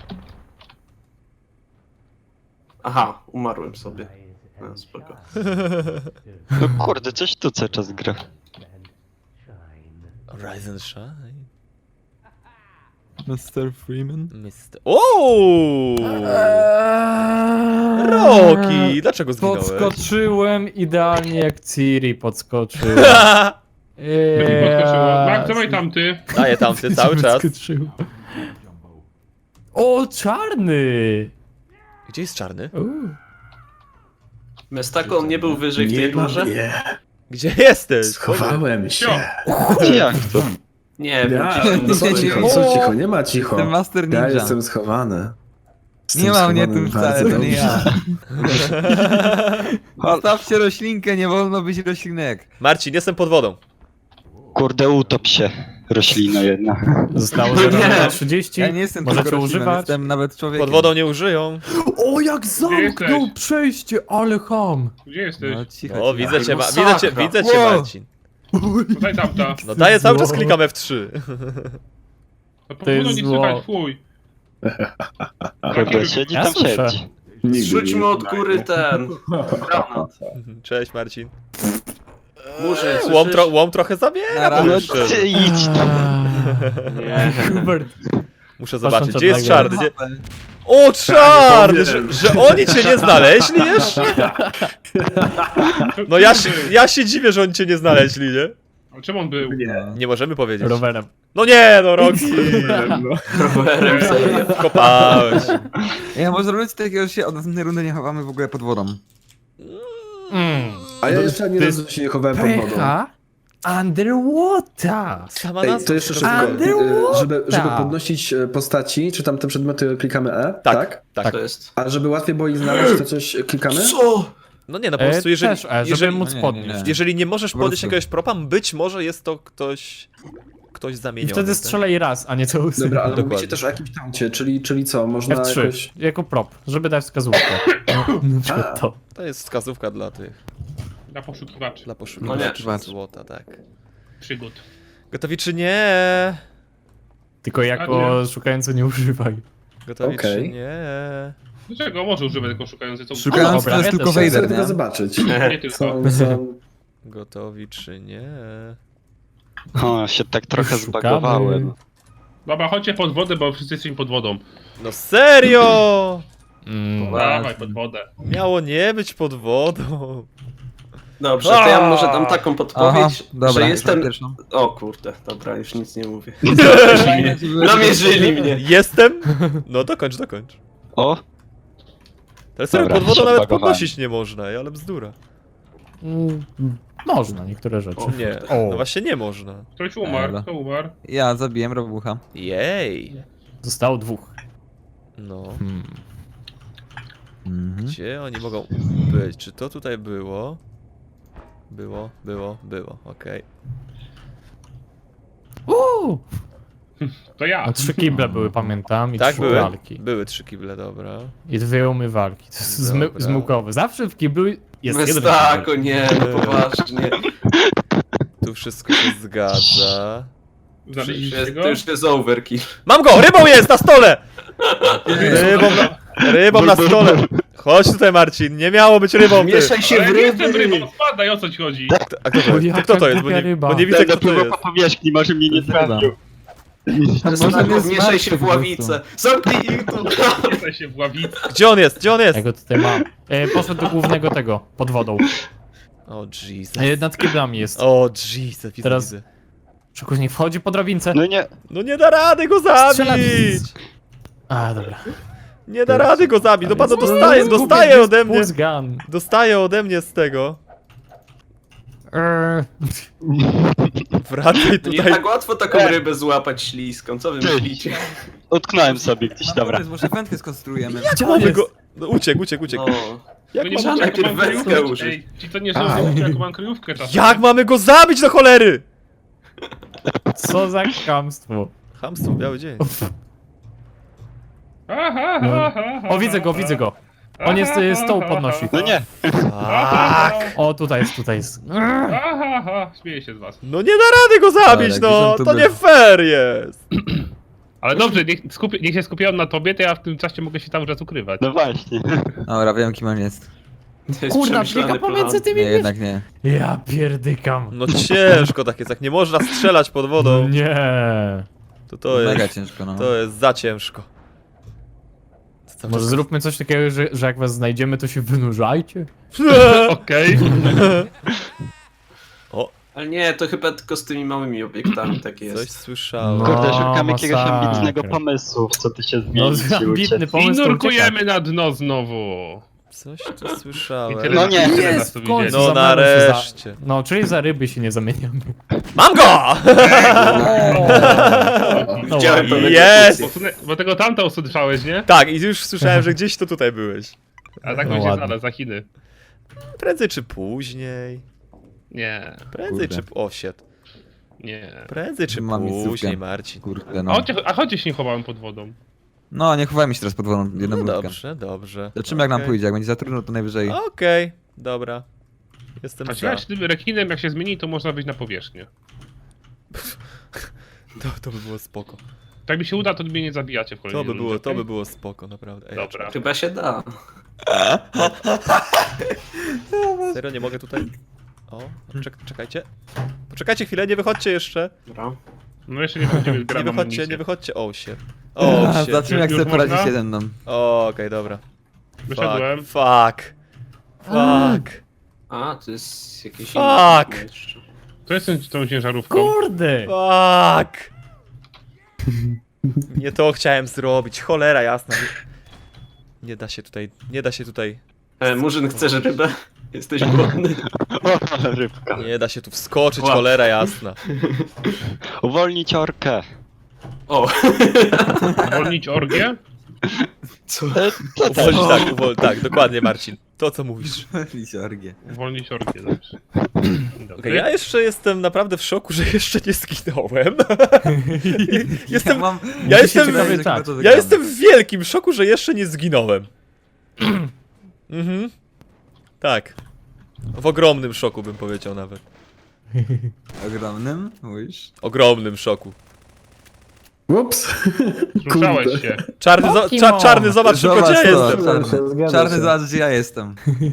[SPEAKER 5] Aha, umarłem sobie. No, spoko.
[SPEAKER 6] No kurde, coś tu cały czas gra.
[SPEAKER 2] Rise and shine.
[SPEAKER 3] Mr. Freeman?
[SPEAKER 2] Mr. Ooo! Roki! Dlaczego zginąłeś?
[SPEAKER 4] Podskoczyłem idealnie jak Ciri podskoczył.
[SPEAKER 1] Podskoczyło. Mark, dawaj tamty.
[SPEAKER 2] Daję tamty cały czas.
[SPEAKER 4] Podskoczył. O, czarny!
[SPEAKER 2] Gdzie jest czarny?
[SPEAKER 5] Mestako, on nie był wyżej w tej górze?
[SPEAKER 2] Gdzie jesteś?
[SPEAKER 7] Schowałem się.
[SPEAKER 6] Jak to?
[SPEAKER 5] Nie wiem.
[SPEAKER 7] Ja,
[SPEAKER 5] gdzieś tam
[SPEAKER 7] są
[SPEAKER 5] na
[SPEAKER 7] cicho,
[SPEAKER 5] dole.
[SPEAKER 7] są cicho, nie ma cicho.
[SPEAKER 3] Jestem Master
[SPEAKER 7] Ja
[SPEAKER 3] Ninja.
[SPEAKER 7] jestem schowany.
[SPEAKER 3] Nie ma mnie tu wcale, to nie ja.
[SPEAKER 7] dobrze.
[SPEAKER 3] Zostawcie roślinkę, nie wolno być roślinek.
[SPEAKER 2] Marcin, jestem pod wodą.
[SPEAKER 6] Kurde, utop się. Roślina jedna.
[SPEAKER 4] Zostało
[SPEAKER 5] No nie.
[SPEAKER 4] 0,30.
[SPEAKER 3] Ja nie jestem
[SPEAKER 4] Możecie
[SPEAKER 3] tylko rośliną,
[SPEAKER 4] używać.
[SPEAKER 3] jestem nawet człowiekiem.
[SPEAKER 2] Pod wodą nie użyją.
[SPEAKER 4] O, jak zamknął
[SPEAKER 1] jesteś?
[SPEAKER 4] przejście, ale ham!
[SPEAKER 1] Gdzie jesteś?
[SPEAKER 3] No cicho,
[SPEAKER 2] O,
[SPEAKER 3] cicho.
[SPEAKER 2] widzę cię,
[SPEAKER 5] masakra.
[SPEAKER 2] widzę cię,
[SPEAKER 3] Wow.
[SPEAKER 2] Marcin.
[SPEAKER 1] Daj tamta.
[SPEAKER 2] No daję, cały czas klikam F3.
[SPEAKER 1] No po
[SPEAKER 4] To jest
[SPEAKER 1] wodą nie
[SPEAKER 4] zło.
[SPEAKER 1] słychać, fuj.
[SPEAKER 6] Kurde, siedzi
[SPEAKER 4] Ja
[SPEAKER 6] tam
[SPEAKER 4] słyszę.
[SPEAKER 6] siedzi.
[SPEAKER 7] Nigdy
[SPEAKER 5] Zrzućmy
[SPEAKER 7] nie
[SPEAKER 5] od góry ten granat.
[SPEAKER 2] Cześć, Marcin.
[SPEAKER 5] Murzyn,
[SPEAKER 2] Łom trochę zabiera.
[SPEAKER 3] Nara.
[SPEAKER 6] No
[SPEAKER 2] Muszę,
[SPEAKER 6] ty idź tu.
[SPEAKER 5] Nie.
[SPEAKER 4] Hubert.
[SPEAKER 2] muszę zobaczyć,
[SPEAKER 4] Patrząc
[SPEAKER 2] gdzie jest
[SPEAKER 4] od
[SPEAKER 2] czarny. Gdzie... O, czarny! Że oni cię nie znaleźli jeszcze? No ja się dziwię, że oni cię nie znaleźli, nie?
[SPEAKER 1] A czemu on był?
[SPEAKER 2] Nie możemy powiedzieć.
[SPEAKER 4] Rowerem.
[SPEAKER 2] No nie, no Roxy.
[SPEAKER 5] Rowerem serio.
[SPEAKER 2] Kopałeś.
[SPEAKER 3] Ja może robić takiego, że się od następnej rundy nie chowamy w ogóle pod wodą.
[SPEAKER 7] A ja jeszcze ani
[SPEAKER 4] To
[SPEAKER 7] razu się nie chowałem pod wodą.
[SPEAKER 4] Pecha underwater.
[SPEAKER 2] Sama
[SPEAKER 7] Ej,
[SPEAKER 2] nazwa.
[SPEAKER 7] to jeszcze szybko. Żeby podnosić postaci, czy tam te przedmioty klikamy E, tak?
[SPEAKER 2] Tak.
[SPEAKER 5] To jest.
[SPEAKER 7] A żeby łatwiej było ich znaleźć, to coś klikamy?
[SPEAKER 5] Co?
[SPEAKER 2] No nie, no po prostu jeżeli,
[SPEAKER 4] Też, żeby
[SPEAKER 2] jeżeli,
[SPEAKER 4] móc
[SPEAKER 3] nie,
[SPEAKER 4] podnieść.
[SPEAKER 3] nie.
[SPEAKER 2] jeżeli nie możesz
[SPEAKER 3] Po
[SPEAKER 2] podnieść
[SPEAKER 3] prostu.
[SPEAKER 2] jakiegoś propa, być może jest to ktoś
[SPEAKER 4] I
[SPEAKER 2] zamieniony.
[SPEAKER 4] wtedy
[SPEAKER 2] tak?
[SPEAKER 4] strzelaj raz, a nie co łysy.
[SPEAKER 7] Dobra, ale
[SPEAKER 2] Dokładnie.
[SPEAKER 7] mówicie też o jakimś tauncie, czyli co, można
[SPEAKER 4] F3,
[SPEAKER 7] jakoś...
[SPEAKER 4] jako prop, żeby dać wskazówkę. Na przykład to.
[SPEAKER 2] To jest wskazówka dla tych,
[SPEAKER 1] Na poszukiwaczy.
[SPEAKER 2] dla
[SPEAKER 5] No
[SPEAKER 2] poszukiwaczy
[SPEAKER 3] nie.
[SPEAKER 2] złota, tak.
[SPEAKER 1] Przygód.
[SPEAKER 2] Gotowi czy nie?
[SPEAKER 4] Tylko jako szukający nie używaj.
[SPEAKER 2] Gotowi
[SPEAKER 7] Okej.
[SPEAKER 2] czy nie?
[SPEAKER 1] Dlaczego? Może używać tylko szukający, co
[SPEAKER 3] Szukając
[SPEAKER 4] dobra,
[SPEAKER 3] to jest
[SPEAKER 4] ja
[SPEAKER 3] tylko
[SPEAKER 4] też
[SPEAKER 7] Chcę
[SPEAKER 3] Vader,
[SPEAKER 7] tylko
[SPEAKER 3] nie?
[SPEAKER 7] zobaczyć.
[SPEAKER 1] Nie tylko.
[SPEAKER 7] Są...
[SPEAKER 2] Gotowi czy nie?
[SPEAKER 6] O, się tak trochę
[SPEAKER 4] Szukamy.
[SPEAKER 6] zbagowałem.
[SPEAKER 1] Dobra, chodźcie pod wodę, bo wszyscy jesteśmy pod wodą.
[SPEAKER 2] No serio!
[SPEAKER 1] Dawaj pod wodę.
[SPEAKER 2] Miało nie być pod wodą.
[SPEAKER 5] Dobrze, to ja może dam taką
[SPEAKER 3] Aha,
[SPEAKER 5] podpowiedź,
[SPEAKER 3] dobra,
[SPEAKER 5] że
[SPEAKER 3] już
[SPEAKER 5] jestem...
[SPEAKER 3] mam pierwszą.
[SPEAKER 5] O kurde, dobra, już nic nie mówię.
[SPEAKER 3] Namierzyli
[SPEAKER 5] Namierzyli mnie.
[SPEAKER 2] Jestem? No dokończ.
[SPEAKER 6] O,
[SPEAKER 2] Ale serio,
[SPEAKER 6] Dobra,
[SPEAKER 2] pod wodą
[SPEAKER 6] się
[SPEAKER 2] nawet
[SPEAKER 6] odbagowałem.
[SPEAKER 2] podnosić nie można, ale bzdura.
[SPEAKER 4] Można niektóre rzeczy.
[SPEAKER 2] Nie,
[SPEAKER 4] O.
[SPEAKER 2] no właśnie nie można.
[SPEAKER 1] Ktoś umarł,
[SPEAKER 3] Dobra.
[SPEAKER 1] kto umarł?
[SPEAKER 3] Ja zabiłem robucha.
[SPEAKER 2] Jej.
[SPEAKER 4] Zostało dwóch.
[SPEAKER 2] No. Gdzie oni mogą być? Czy to tutaj było? Było, okej.
[SPEAKER 1] To ja.
[SPEAKER 4] A 3 kible były, pamiętam, i
[SPEAKER 2] Tak,
[SPEAKER 4] 3
[SPEAKER 2] były?
[SPEAKER 4] lalki.
[SPEAKER 2] Były 3 kible, dobra.
[SPEAKER 4] I 2 umywalki. To jest
[SPEAKER 2] Dobra.
[SPEAKER 4] zmyłkowe. Zawsze w kiblu jest jeden
[SPEAKER 5] Mestako,
[SPEAKER 4] kibel.
[SPEAKER 5] nie, no poważnie.
[SPEAKER 2] Tu wszystko się zgadza.
[SPEAKER 1] Znaleźliście go?
[SPEAKER 5] To już jest overkill.
[SPEAKER 2] Mam go! Rybą jest na stole! Rybą na stole. Chodź tutaj, Marcin, nie miało być rybą, ty.
[SPEAKER 5] Mieszaj się
[SPEAKER 1] Ale
[SPEAKER 5] w
[SPEAKER 1] nie jestem
[SPEAKER 5] ryby.
[SPEAKER 1] rybą, spadaj, o co ci chodzi?
[SPEAKER 2] A kto to jest?
[SPEAKER 4] Jaka
[SPEAKER 2] Kto to jest? Bo
[SPEAKER 4] głupia
[SPEAKER 2] nie,
[SPEAKER 4] ryba.
[SPEAKER 2] bo nie widzę,
[SPEAKER 6] Ten
[SPEAKER 2] kto to
[SPEAKER 6] napływał
[SPEAKER 2] jest.
[SPEAKER 6] po powierzchni, może mnie nie trafił.
[SPEAKER 5] Mestako, mieszaj się w ławicę. Zamknij ich tu.
[SPEAKER 1] Jesteś się w ławicy.
[SPEAKER 2] Gdzie on jest? Gdzie on jest?
[SPEAKER 4] Ja go tutaj mam. Poszedł do głównego tego, pod wodą.
[SPEAKER 2] O Jesus.
[SPEAKER 4] Nad kiblami jest.
[SPEAKER 2] O Jesus, widzę,
[SPEAKER 4] Teraz-
[SPEAKER 2] widzę.
[SPEAKER 4] Szykuś, niech wchodzi po drabince.
[SPEAKER 6] No nie,
[SPEAKER 2] No nie da rady go
[SPEAKER 4] Strzela-
[SPEAKER 2] zabić!
[SPEAKER 4] A, dobra.
[SPEAKER 2] Nie da rady go zabić, no pan
[SPEAKER 4] Jest-
[SPEAKER 2] dostaje
[SPEAKER 4] jest
[SPEAKER 2] ode
[SPEAKER 4] jest
[SPEAKER 2] mnie.
[SPEAKER 4] pulse gun.
[SPEAKER 2] Dostaje ode mnie z tego. Wracaj
[SPEAKER 5] Nie
[SPEAKER 2] tutaj.
[SPEAKER 5] tak łatwo taką rybę złapać śliską, co wy myślicie?
[SPEAKER 6] utknąłem sobie gdzieś,
[SPEAKER 3] Mam
[SPEAKER 6] dobra.
[SPEAKER 3] pomysł, może wędkę skonstruujemy.
[SPEAKER 2] Gdzie mamy go? No, uciekł.
[SPEAKER 5] No.
[SPEAKER 2] Jak,
[SPEAKER 1] To nie
[SPEAKER 5] trzeba
[SPEAKER 1] mówcie, jaką
[SPEAKER 5] najpierw
[SPEAKER 1] mam
[SPEAKER 5] wędkę
[SPEAKER 1] kryjówkę.
[SPEAKER 5] użyć.
[SPEAKER 1] Ej, ci to nie żartują, jaką mam kryjówkę czasem.
[SPEAKER 2] jak mamy go zabić do cholery?
[SPEAKER 4] Co za chamstwo.
[SPEAKER 2] Chamstwo, biały dzień.
[SPEAKER 1] Aha,
[SPEAKER 4] No.
[SPEAKER 1] aha, aha,
[SPEAKER 4] O, widzę go. On jest, stoł podnosi.
[SPEAKER 6] No nie,
[SPEAKER 2] Tak.
[SPEAKER 4] O, tutaj jest.
[SPEAKER 1] Aha, śmieję się z was.
[SPEAKER 2] No nie da rady go zabić,
[SPEAKER 3] Ale
[SPEAKER 2] no.
[SPEAKER 3] gdzie
[SPEAKER 2] To
[SPEAKER 3] ten
[SPEAKER 2] nie fair jest.
[SPEAKER 1] Ale dobrze, niech się skupią na tobie, to ja w tym czasie mogę się cały czas ukrywać.
[SPEAKER 6] no właśnie.
[SPEAKER 3] Dobra, wiem kim on jest.
[SPEAKER 5] To jest
[SPEAKER 4] Kurna,
[SPEAKER 5] przemyślany
[SPEAKER 4] biega pomiędzy
[SPEAKER 5] plan.
[SPEAKER 4] tymi
[SPEAKER 3] Nie, jednak nie.
[SPEAKER 4] Ja pierdykam.
[SPEAKER 2] No ciężko tak jest, jak nie można strzelać pod wodą,
[SPEAKER 4] Nie.
[SPEAKER 2] to
[SPEAKER 3] Mega
[SPEAKER 2] jest,
[SPEAKER 3] ciężko, no.
[SPEAKER 2] to jest za ciężko. Cały
[SPEAKER 4] Może
[SPEAKER 2] czas-
[SPEAKER 4] zróbmy coś takiego, że jak was znajdziemy, to się wynurzajcie.
[SPEAKER 1] Okej.
[SPEAKER 5] Ale nie, to chyba tylko z tymi małymi obiektami tak
[SPEAKER 2] Coś
[SPEAKER 5] jest.
[SPEAKER 2] słyszałem.
[SPEAKER 4] No.
[SPEAKER 6] Kurde, szukam jakiegoś
[SPEAKER 4] masakra.
[SPEAKER 6] ambitnego pomysłu, w co ty się
[SPEAKER 4] No,
[SPEAKER 6] zmienić i
[SPEAKER 4] ambitny
[SPEAKER 6] uciec.
[SPEAKER 4] pomysł.
[SPEAKER 1] I
[SPEAKER 4] to
[SPEAKER 1] nurkujemy na dno znowu.
[SPEAKER 2] Coś tu słyszałem.
[SPEAKER 1] I tyle,
[SPEAKER 6] No nie.
[SPEAKER 1] tyle nas
[SPEAKER 4] Jest,
[SPEAKER 1] tu
[SPEAKER 4] w końcu.
[SPEAKER 1] widzieli.
[SPEAKER 2] No
[SPEAKER 4] Zabramy się za-
[SPEAKER 2] nareszcie.
[SPEAKER 4] No, czyli za ryby się nie zamieniamy.
[SPEAKER 2] Mam go!
[SPEAKER 4] No,
[SPEAKER 5] Widziałem
[SPEAKER 4] ładnie.
[SPEAKER 5] pewne
[SPEAKER 2] Jest!
[SPEAKER 1] Bo tego tamta usłyszałeś, nie?
[SPEAKER 2] Tak, i już słyszałem, że gdzieś to tutaj byłeś.
[SPEAKER 1] A tak
[SPEAKER 4] No
[SPEAKER 1] on się
[SPEAKER 4] ładnie.
[SPEAKER 1] znalazł za Chiny.
[SPEAKER 2] Prędzej czy później.
[SPEAKER 1] Nie,
[SPEAKER 2] Prędzej
[SPEAKER 3] Kurde.
[SPEAKER 2] czy... O, shit.
[SPEAKER 1] nie.
[SPEAKER 2] Prędzej czy
[SPEAKER 3] Mam
[SPEAKER 2] później,
[SPEAKER 3] miejscówkę.
[SPEAKER 2] Marcin.
[SPEAKER 3] Kurde,
[SPEAKER 1] A
[SPEAKER 3] no.
[SPEAKER 1] chodźcie się nie chowałem pod wodą.
[SPEAKER 3] No, nie chowajmy się teraz pod wodą, jedną
[SPEAKER 2] No
[SPEAKER 3] minutkę.
[SPEAKER 2] dobrze, dobrze.
[SPEAKER 3] Zobaczymy jak nam
[SPEAKER 2] Okej.
[SPEAKER 3] pójdzie, jak będzie za trudno, to najwyżej.
[SPEAKER 2] Okej, dobra. Jestem
[SPEAKER 1] A
[SPEAKER 2] za.
[SPEAKER 1] ciekawe, czy tym rekinem jak się zmieni, to można wyjść na powierzchnię.
[SPEAKER 2] To by było spoko.
[SPEAKER 1] Tak mi się uda, to mnie nie zabijacie w kolejnej rundzie,
[SPEAKER 2] To
[SPEAKER 1] okej?
[SPEAKER 2] by było spoko, naprawdę. Ej,
[SPEAKER 1] Dobra.
[SPEAKER 5] Chyba się da.
[SPEAKER 2] serio, nie mogę tutaj... O, czekajcie. Poczekajcie chwilę, nie wychodźcie jeszcze.
[SPEAKER 5] Dobra.
[SPEAKER 1] No jeszcze nie będziemy
[SPEAKER 2] Nie
[SPEAKER 1] grać
[SPEAKER 2] wychodźcie, nie wychodźcie. O, się. O, się.
[SPEAKER 3] Zobaczymy jak
[SPEAKER 1] Już
[SPEAKER 3] sobie poradzi
[SPEAKER 1] można?
[SPEAKER 3] się ze mną.
[SPEAKER 2] Okej, dobra.
[SPEAKER 1] Wyszedłem.
[SPEAKER 2] Fuck.
[SPEAKER 5] A, to jest jakieś
[SPEAKER 2] Fuck.
[SPEAKER 5] inne jeszcze.
[SPEAKER 1] To jest tą ciężarówką.
[SPEAKER 4] Kurde!
[SPEAKER 2] Fuck. Nie to chciałem zrobić, cholera jasna. Nie da się tutaj,
[SPEAKER 5] Murzyn, chcesz rybę? Jesteś głodny?
[SPEAKER 6] O, ale rybka.
[SPEAKER 2] nie da się tu wskoczyć,
[SPEAKER 5] Łap.
[SPEAKER 2] cholera jasna.
[SPEAKER 6] Uwolnić orkę.
[SPEAKER 5] O,
[SPEAKER 1] Uwolnić orgię?
[SPEAKER 5] co?
[SPEAKER 2] Uwolnić, tak, dokładnie Marcin. To co mówisz.
[SPEAKER 3] Orgie.
[SPEAKER 1] Uwolnić orgię, dobrze.
[SPEAKER 2] Okej, ja jeszcze jestem naprawdę w szoku, że jeszcze nie zginąłem. Jestem, ja jestem- ja jestem w wielkim szoku, że jeszcze nie zginąłem. Mhm. Tak. W ogromnym szoku bym powiedział nawet.
[SPEAKER 3] Ogromnym, mówisz?
[SPEAKER 2] Ogromnym szoku.
[SPEAKER 7] Ups.
[SPEAKER 1] Ruszałeś się.
[SPEAKER 2] Czarny,
[SPEAKER 4] Pokemon.
[SPEAKER 2] czarny zobacz tylko gdzie ja
[SPEAKER 3] to,
[SPEAKER 2] jestem.
[SPEAKER 3] Czarny, zobacz gdzie ja jestem.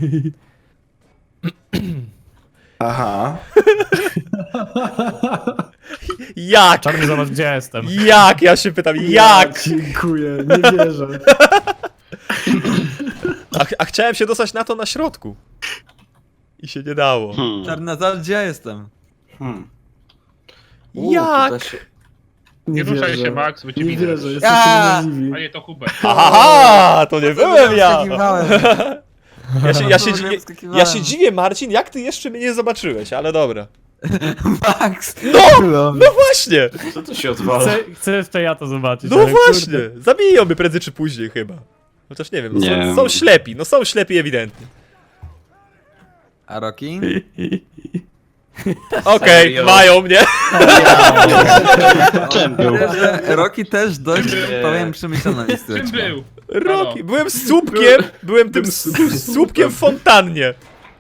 [SPEAKER 7] Aha.
[SPEAKER 2] Jak?
[SPEAKER 4] Czarny, zobacz gdzie ja jestem.
[SPEAKER 2] Jak? Ja się pytam, jak?
[SPEAKER 7] Dziękuję, nie wierzę.
[SPEAKER 2] A chciałem się dostać na to na środku. I się nie dało.
[SPEAKER 3] Czarny, zobacz gdzie ja jestem.
[SPEAKER 2] Jak?
[SPEAKER 5] to się...
[SPEAKER 1] Nie ruszaj się, Max, bo cię
[SPEAKER 7] Nie
[SPEAKER 1] widzę.
[SPEAKER 7] wierzę, jesteś
[SPEAKER 3] Ja!
[SPEAKER 7] niemożliwi.
[SPEAKER 1] A nie, to Hubert.
[SPEAKER 2] Aha, to nie byłem ja.
[SPEAKER 3] Wskakiwałem.
[SPEAKER 2] Ja się dziwię, Marcin, jak ty jeszcze mnie nie zobaczyłeś, ale dobra.
[SPEAKER 3] Max!
[SPEAKER 2] No właśnie!
[SPEAKER 5] Co tu się odwala?
[SPEAKER 4] Chcę jeszcze ja to zobaczyć.
[SPEAKER 2] No
[SPEAKER 4] ale
[SPEAKER 2] właśnie!
[SPEAKER 4] kurde.
[SPEAKER 2] Zabiją mnie prędzej czy później chyba. Chociaż nie wiem,
[SPEAKER 6] Nie.
[SPEAKER 2] są ślepi, no są ślepi ewidentnie.
[SPEAKER 3] A Rocky?
[SPEAKER 2] Okej,
[SPEAKER 5] Serio?
[SPEAKER 2] mają mnie.
[SPEAKER 6] Czym był?
[SPEAKER 3] Myślę, że Rocky też dość, powiem, przemyślana
[SPEAKER 1] Czym
[SPEAKER 3] listeczka.
[SPEAKER 1] był?
[SPEAKER 2] Roki, byłem słupkiem, byłem tym słupkiem w fontannie.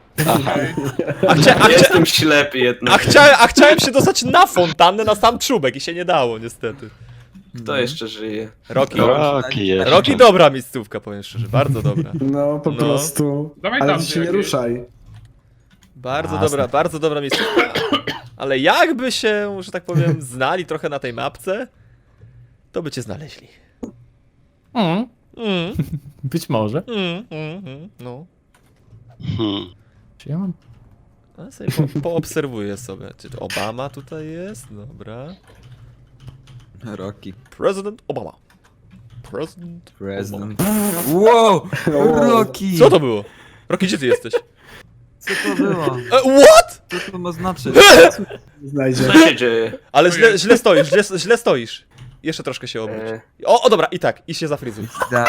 [SPEAKER 5] Jestem ślepy jednak.
[SPEAKER 2] A chciałem się dostać na fontannę, na sam czubek i się nie dało niestety.
[SPEAKER 5] Kto jeszcze żyje?
[SPEAKER 2] Roki.
[SPEAKER 6] Roki jeszcze.
[SPEAKER 2] Roki dobra miejscówka, powiem szczerze, bardzo dobra.
[SPEAKER 7] No, po
[SPEAKER 2] No.
[SPEAKER 7] prostu.
[SPEAKER 1] Dawaj
[SPEAKER 7] Ale
[SPEAKER 1] tam,
[SPEAKER 7] ty się nie
[SPEAKER 1] jakieś.
[SPEAKER 7] ruszaj.
[SPEAKER 2] Bardzo dobra miejscówka. Ale jakby się, że tak powiem, znali trochę na tej mapce, to by cię znaleźli.
[SPEAKER 4] Mm,
[SPEAKER 2] Mm,
[SPEAKER 4] być może.
[SPEAKER 2] no.
[SPEAKER 6] Hmm.
[SPEAKER 4] Czy ja mam?
[SPEAKER 2] A sobie poobserwuję sobie. Czy to Obama tutaj jest? Dobra.
[SPEAKER 3] Rocky.
[SPEAKER 2] President Obama. President.
[SPEAKER 3] President. Wow! Rocky!
[SPEAKER 2] Co to było? Rocky, gdzie ty jesteś?
[SPEAKER 3] Co to było?
[SPEAKER 2] What?
[SPEAKER 3] Co to ma znaczyć?
[SPEAKER 7] Znajdzie.
[SPEAKER 5] Co się dzieje?
[SPEAKER 2] Ale źle stoisz, źle stoisz. Jeszcze troszkę się obróć. O, dobra, i tak, i się zafryzuj.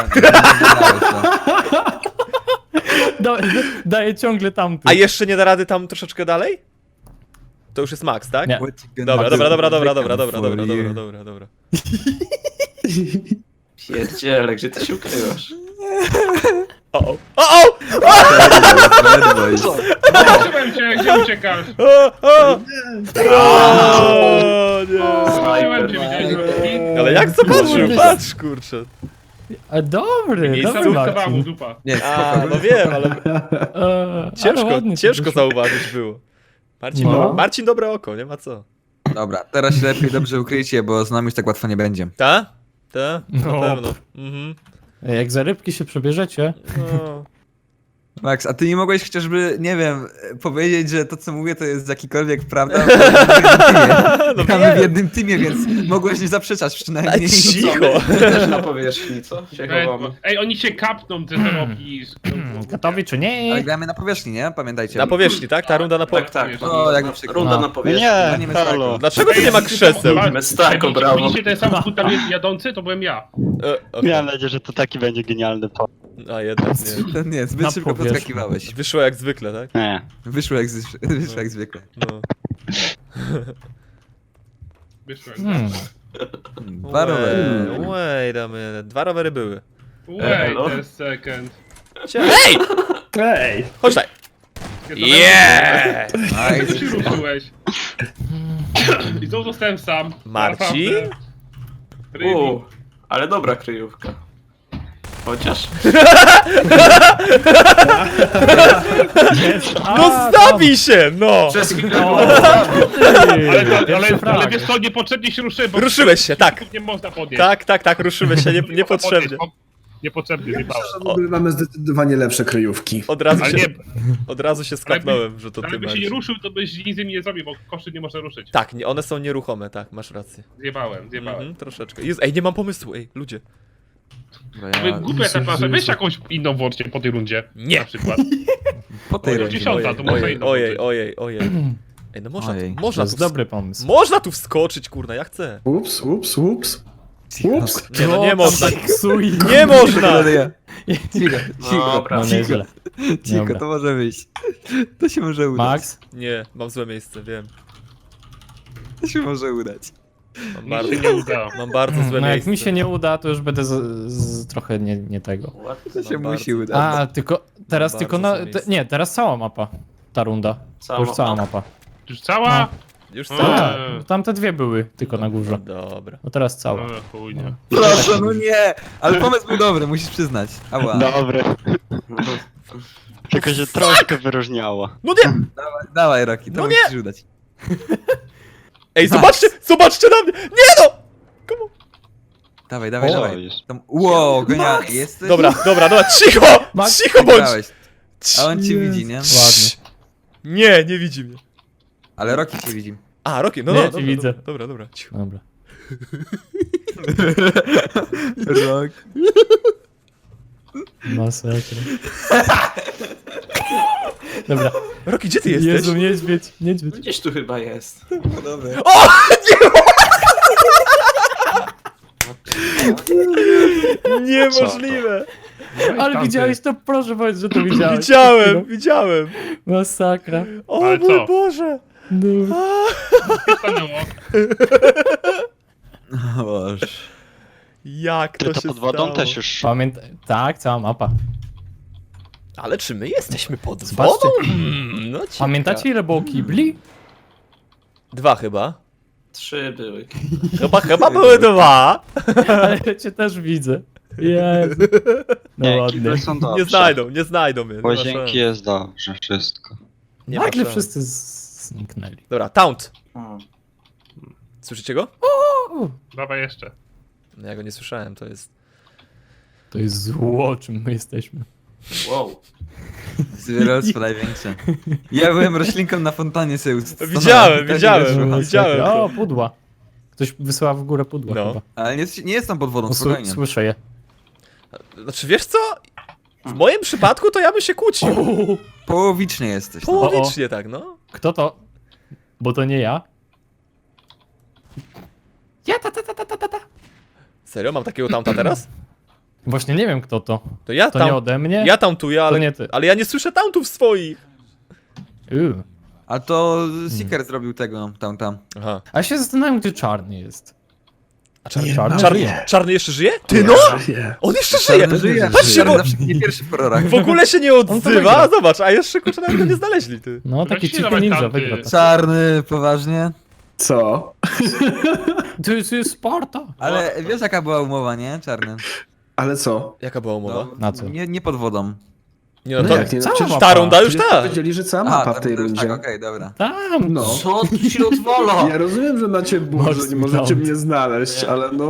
[SPEAKER 4] Daję ciągle tamty.
[SPEAKER 2] A jeszcze nie da rady tam troszeczkę dalej? To już jest max, tak?
[SPEAKER 4] Nie.
[SPEAKER 2] Dobra.
[SPEAKER 5] Pierdziele, gdzie ty się ukrywasz?
[SPEAKER 2] O!
[SPEAKER 1] Zobaczyłem cię, gdzie uciekasz?
[SPEAKER 2] O, nie.
[SPEAKER 1] Zobaczyłem cię, widziałeś.
[SPEAKER 2] Ale jak zobaczył? Patrz, kurczę.
[SPEAKER 4] A dobry,
[SPEAKER 2] Miejsce
[SPEAKER 4] dobry
[SPEAKER 1] Zawód mu
[SPEAKER 4] Marcin.
[SPEAKER 1] dupa.
[SPEAKER 3] Nie,
[SPEAKER 2] A,
[SPEAKER 3] spoko.
[SPEAKER 2] no wiem, ale
[SPEAKER 4] Ale ładnie ci
[SPEAKER 2] ciężko
[SPEAKER 4] wyszło.
[SPEAKER 2] zauważyć było.
[SPEAKER 4] No.
[SPEAKER 2] Marcin dobre oko, nie ma co.
[SPEAKER 3] Dobra, teraz się lepiej dobrze ukryjcie, bo z nami już tak łatwo nie będzie.
[SPEAKER 2] Ta? Ta? Na
[SPEAKER 4] No.
[SPEAKER 2] pewno. Mhm.
[SPEAKER 4] Jak za rybki się przebierzecie,
[SPEAKER 2] No.
[SPEAKER 3] Max, a ty nie mogłeś chociażby, nie wiem, powiedzieć, że to co mówię to jest jakikolwiek prawda? Gramy w jednym teamie, więc mogłeś nie zaprzeczać przynajmniej.
[SPEAKER 2] Cicho.
[SPEAKER 5] Też na powierzchni, co? Się chowamy.
[SPEAKER 1] Ej, oni się kapną, ty to robisz.
[SPEAKER 4] gotowi czy
[SPEAKER 3] Ale
[SPEAKER 4] nie?
[SPEAKER 3] gramy na powierzchni, nie? Pamiętajcie.
[SPEAKER 2] Na powierzchni, tak? Ta runda na
[SPEAKER 5] Tak,
[SPEAKER 2] powierzchni.
[SPEAKER 5] tak.
[SPEAKER 3] O, jak mi przykro.
[SPEAKER 5] Runda
[SPEAKER 4] No.
[SPEAKER 5] na powierzchni.
[SPEAKER 6] Nie,
[SPEAKER 3] nie
[SPEAKER 6] halo.
[SPEAKER 2] Dlaczego tu nie ma krzeseł?
[SPEAKER 5] Mestako, brawo.
[SPEAKER 1] Widzicie ten samochód tam jadący? To byłem ja.
[SPEAKER 2] Okay.
[SPEAKER 6] Miałem nadzieję, że to taki będzie genialny pomysł.
[SPEAKER 2] A jednak nie.
[SPEAKER 3] To nie, zbyt
[SPEAKER 4] Na
[SPEAKER 3] szybko
[SPEAKER 4] powierzchni.
[SPEAKER 3] podskakiwałeś.
[SPEAKER 2] Wyszło jak zwykle, tak?
[SPEAKER 6] Nie.
[SPEAKER 3] Wyszło jak zwykle.
[SPEAKER 2] No.
[SPEAKER 1] Wyszłem.
[SPEAKER 3] Dwa rowery.
[SPEAKER 2] Wait a minute. 2 rowery były.
[SPEAKER 1] Wait a second.
[SPEAKER 2] Ej!
[SPEAKER 7] Ej!
[SPEAKER 2] Chodź tutaj.
[SPEAKER 1] Yeah!
[SPEAKER 2] Yeah!
[SPEAKER 1] Ty się ruszyłeś. I znowu zostałem sam.
[SPEAKER 2] Marcin?
[SPEAKER 1] Naprawdę. Rybi.
[SPEAKER 5] Ale dobra kryjówka. Chociaż.
[SPEAKER 2] No zabij się, no!
[SPEAKER 5] Przez chwilę
[SPEAKER 1] Ale wiesz co, niepotrzebnie się ruszyłem, bo
[SPEAKER 2] Ruszyłeś się, tak.
[SPEAKER 1] nie można podnieść.
[SPEAKER 2] Tak, ruszyłeś się, niepotrzebnie.
[SPEAKER 1] Niepotrzebnie, nie
[SPEAKER 7] W ogóle mamy zdecydowanie lepsze kryjówki.
[SPEAKER 2] Od
[SPEAKER 1] nie,
[SPEAKER 2] razu się skapnąłem, że to ty
[SPEAKER 1] jakby się nie
[SPEAKER 2] Marcin.
[SPEAKER 1] ruszył, to byś nic z nimi nie zrobił, bo koszy nie można ruszyć.
[SPEAKER 2] Tak, nie, one są nieruchome, tak, masz rację.
[SPEAKER 1] Zjebałem.
[SPEAKER 2] Troszeczkę. Jezu, ej, nie mam pomysłu, ej, ludzie.
[SPEAKER 1] Głupia ta plansza, weź jakąś inną włącznie po tej rundzie.
[SPEAKER 2] Nie.
[SPEAKER 1] Na przykład.
[SPEAKER 3] Po tej
[SPEAKER 1] Ojej.
[SPEAKER 3] rundzie.
[SPEAKER 1] 10, to może inną
[SPEAKER 2] Ojej. Ej, no można,
[SPEAKER 3] Ojej,
[SPEAKER 2] można
[SPEAKER 4] To
[SPEAKER 2] tu
[SPEAKER 4] jest dobry pomysł.
[SPEAKER 2] Można tu wskoczyć, kurna, ja chcę.
[SPEAKER 7] Ups. Ups.
[SPEAKER 2] Nie, no nie można.
[SPEAKER 4] Psuj.
[SPEAKER 2] Nie można!
[SPEAKER 3] Cicho,
[SPEAKER 5] Dobra.
[SPEAKER 4] No nieźle.
[SPEAKER 3] cicho,
[SPEAKER 4] Dobra.
[SPEAKER 3] to może wyjść. To się może udać.
[SPEAKER 4] Max?
[SPEAKER 2] Nie, mam złe miejsce, wiem.
[SPEAKER 3] To się może udać.
[SPEAKER 2] Mam
[SPEAKER 1] Mi
[SPEAKER 2] bardzo,
[SPEAKER 1] się nie udało.
[SPEAKER 2] mam bardzo złe
[SPEAKER 4] No jak
[SPEAKER 2] miejsce.
[SPEAKER 4] mi się nie uda, to już będę trochę nie tego.
[SPEAKER 3] To się
[SPEAKER 2] Mam
[SPEAKER 3] musi
[SPEAKER 2] bardzo-
[SPEAKER 3] udać.
[SPEAKER 4] A, tylko teraz
[SPEAKER 2] Bardzo
[SPEAKER 4] tylko
[SPEAKER 2] złe miejsce.
[SPEAKER 4] nie, teraz cała mapa. Ta runda. To już cała mapa.
[SPEAKER 1] Już cała?
[SPEAKER 2] Już
[SPEAKER 1] No.
[SPEAKER 2] co?
[SPEAKER 4] Tak, tamte dwie były tylko na górze.
[SPEAKER 2] Dobra.
[SPEAKER 4] No teraz cała.
[SPEAKER 1] Chuj, nie.
[SPEAKER 3] Proszę, no nie! Ale pomysł był dobry, musisz przyznać. Ała.
[SPEAKER 6] Dobry. Tylko się troszkę wyróżniało.
[SPEAKER 2] No nie!
[SPEAKER 3] Dawaj, Rocky, to
[SPEAKER 2] No
[SPEAKER 3] musisz udać.
[SPEAKER 2] Ej, zobaczcie na mnie! Nie no! Komu?
[SPEAKER 3] Dawaj.
[SPEAKER 6] Co jest?
[SPEAKER 3] Tam, wow, genialnie. Jesteś...
[SPEAKER 2] Dobra, cicho!
[SPEAKER 4] Max,
[SPEAKER 2] Cicho bądź!
[SPEAKER 3] Wygrałeś. A on cię widzi, nie?
[SPEAKER 4] Ładnie.
[SPEAKER 2] Nie widzi mnie.
[SPEAKER 3] Ale Rocky cię widzi.
[SPEAKER 2] A, Rocky, no
[SPEAKER 4] Nie,
[SPEAKER 2] no,
[SPEAKER 4] ci
[SPEAKER 2] dobra,
[SPEAKER 4] widzę.
[SPEAKER 2] dobra, cicho.
[SPEAKER 4] Dobra.
[SPEAKER 3] Rock.
[SPEAKER 4] Masakra. Dobra.
[SPEAKER 2] Rocky, gdzie ty jesteś?
[SPEAKER 4] Jezu, niedźwiedź.
[SPEAKER 5] Gdzieś tu chyba jest.
[SPEAKER 3] Dobra.
[SPEAKER 2] O! Nie! Niemożliwe!
[SPEAKER 1] No i
[SPEAKER 4] Ale
[SPEAKER 1] tamty.
[SPEAKER 4] widziałeś to? Proszę powiedz, że to widziałeś.
[SPEAKER 2] Widziałem.
[SPEAKER 4] Masakra.
[SPEAKER 2] O
[SPEAKER 1] Ale
[SPEAKER 2] mój
[SPEAKER 1] co?
[SPEAKER 2] Boże.
[SPEAKER 4] No.
[SPEAKER 1] Co stanęło?
[SPEAKER 3] O Boże.
[SPEAKER 2] Jak
[SPEAKER 6] Ty
[SPEAKER 2] to
[SPEAKER 6] to
[SPEAKER 2] się
[SPEAKER 6] pod wodą
[SPEAKER 2] stało?
[SPEAKER 6] też już.
[SPEAKER 4] Tak, cała mapa.
[SPEAKER 2] Ale czy my jesteśmy pod
[SPEAKER 4] Zobaczcie.
[SPEAKER 2] wodą? No ciekawe.
[SPEAKER 4] Pamiętacie ile było kibli?
[SPEAKER 2] 2 chyba.
[SPEAKER 5] 3 były.
[SPEAKER 2] Chyba były 2.
[SPEAKER 4] Ale ja cię też widzę. Jezu. No
[SPEAKER 6] Nie,
[SPEAKER 4] ładnie.
[SPEAKER 6] kible są dobrze.
[SPEAKER 2] Nie znajdą mnie. nie ma
[SPEAKER 6] Łazienki
[SPEAKER 2] szans.
[SPEAKER 6] jest dobrze, wszystko.
[SPEAKER 2] Nie ma
[SPEAKER 4] Nagle
[SPEAKER 2] szans.
[SPEAKER 4] wszyscy zniknęli.
[SPEAKER 2] Dobra, Taunt.
[SPEAKER 5] O.
[SPEAKER 2] Słyszycie go?
[SPEAKER 1] Dawaj jeszcze.
[SPEAKER 2] No ja go nie słyszałem, to jest...
[SPEAKER 4] To jest zło, czym my jesteśmy.
[SPEAKER 5] Wow.
[SPEAKER 3] Wyrostwa największe. Ja byłem roślinką na fontannie sobie
[SPEAKER 2] Widziałem.
[SPEAKER 4] O, pudła. Ktoś wysyła w górę pudła
[SPEAKER 2] No.
[SPEAKER 4] chyba.
[SPEAKER 3] Ale nie jestem pod wodą, spokojnie.
[SPEAKER 4] Słyszę je.
[SPEAKER 2] Znaczy wiesz co? W moim przypadku to ja bym się kłócił.
[SPEAKER 3] Połowicznie jesteś. No.
[SPEAKER 2] Połowicznie tak, no.
[SPEAKER 4] Kto to? Bo to nie ja. Ja ta.
[SPEAKER 2] Serio? Mam takiego Taunta teraz?
[SPEAKER 4] Właśnie nie wiem kto to.
[SPEAKER 2] To ja
[SPEAKER 4] To nie
[SPEAKER 2] tam...
[SPEAKER 4] ode mnie?
[SPEAKER 2] Ja tauntuję,
[SPEAKER 4] To nie ty.
[SPEAKER 2] ale ja nie słyszę tauntów swoich.
[SPEAKER 3] A to Seeker zrobił tego, tam.
[SPEAKER 2] Aha.
[SPEAKER 4] A ja się zastanawiam, gdzie czarny jest.
[SPEAKER 2] A czarny,
[SPEAKER 4] Czarny
[SPEAKER 2] czarny,
[SPEAKER 4] żyje.
[SPEAKER 2] czarny jeszcze żyje? Ty no! On jeszcze żyje!
[SPEAKER 3] Czarny żyje.
[SPEAKER 2] Patrzcie,
[SPEAKER 3] Czarny
[SPEAKER 2] bo
[SPEAKER 3] zawsze nie pierwszy w horrorach.
[SPEAKER 2] w ogóle się nie
[SPEAKER 4] to
[SPEAKER 2] odzywa.
[SPEAKER 4] wygra.
[SPEAKER 2] Zobacz, a jeszcze kurczę nawet go nie znaleźli, ty.
[SPEAKER 4] No, taki
[SPEAKER 1] Weźcie
[SPEAKER 4] cichy
[SPEAKER 1] dawaj
[SPEAKER 4] ninja
[SPEAKER 1] tamty.
[SPEAKER 4] wygra to.
[SPEAKER 3] Czarny, poważnie.
[SPEAKER 7] Co?
[SPEAKER 4] To jest Sparta.
[SPEAKER 3] Ale wiesz jaka była umowa, nie? Czarny.
[SPEAKER 7] Ale co?
[SPEAKER 2] Jaka była umowa?
[SPEAKER 4] Na co?
[SPEAKER 3] Nie pod wodą.
[SPEAKER 2] Nie no
[SPEAKER 7] No
[SPEAKER 2] to...
[SPEAKER 7] jak nie?
[SPEAKER 4] cała
[SPEAKER 7] Przecież
[SPEAKER 4] mapa.
[SPEAKER 2] Ta runda już
[SPEAKER 7] przecież
[SPEAKER 2] tak.
[SPEAKER 7] powiedzieli, że cała mapa w tej rundzie.
[SPEAKER 3] Tak, okej, dobra.
[SPEAKER 4] Tam.
[SPEAKER 7] No.
[SPEAKER 5] Co tu się odwala?
[SPEAKER 7] Ja rozumiem, że macie ból, że nie możecie
[SPEAKER 4] Mocny
[SPEAKER 7] mnie znaleźć, ale no...